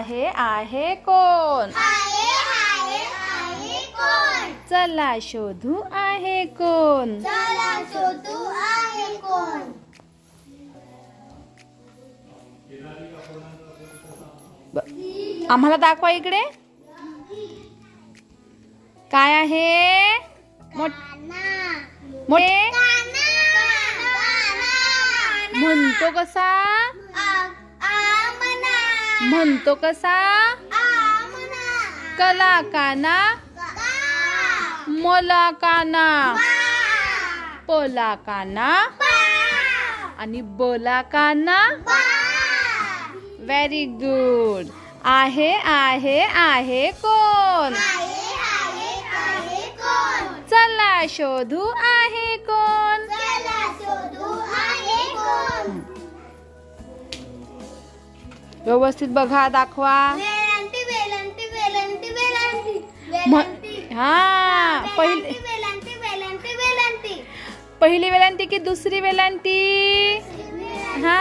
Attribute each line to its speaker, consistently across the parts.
Speaker 1: आहे कोण? चला शोधू आहे कोण? आम्हाला दाखवा इकडे. काय आहे? मोठे म्हणतो कसा? म्हणतो कसा? कला काना मला काना पला काना आणि बला काना. Very good. आहे कोण? चला शोधू आहे कोण? व्यवस्थित बघा, दाखवा. हा, पहिली वेलांटी की दुसरी वेलांटी? हा,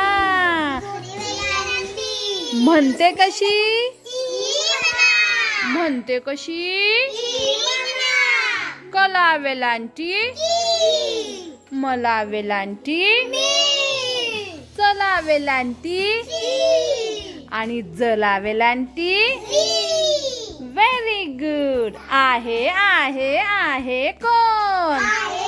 Speaker 1: म्हणते कशी? म्हणते कशी? कला वेलांटी मला वेलांटी चला वेलांटी आणि जला वेलांटी. Very good. आहे कोण?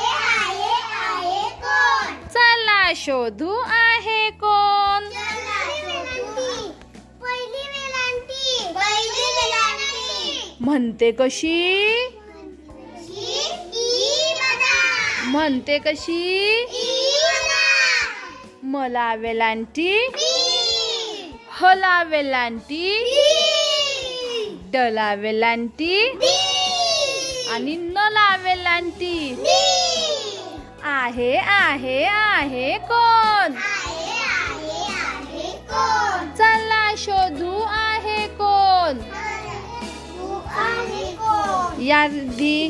Speaker 1: चला शोधू आहे कोण? म्हणते कशी? म्हणते कशी? मला वेलांटी हला वेलांटी डला वेलांटी आणि नला वेलांटी. आहे कोण? चला शोधू आहे कोण? या रिद्धी,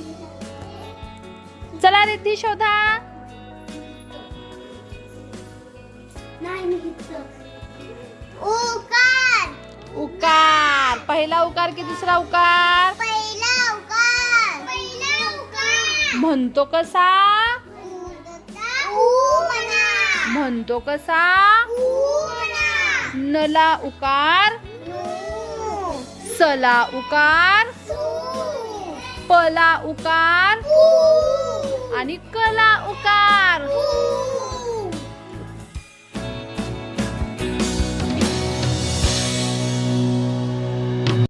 Speaker 1: चला रिद्धी शोधा. उकार. पहिला उकार की दुसरा उकार? म्हणतो कसा? म्हणतो कसा? नला उकार सला उकार पला उकार आणि कला उकार.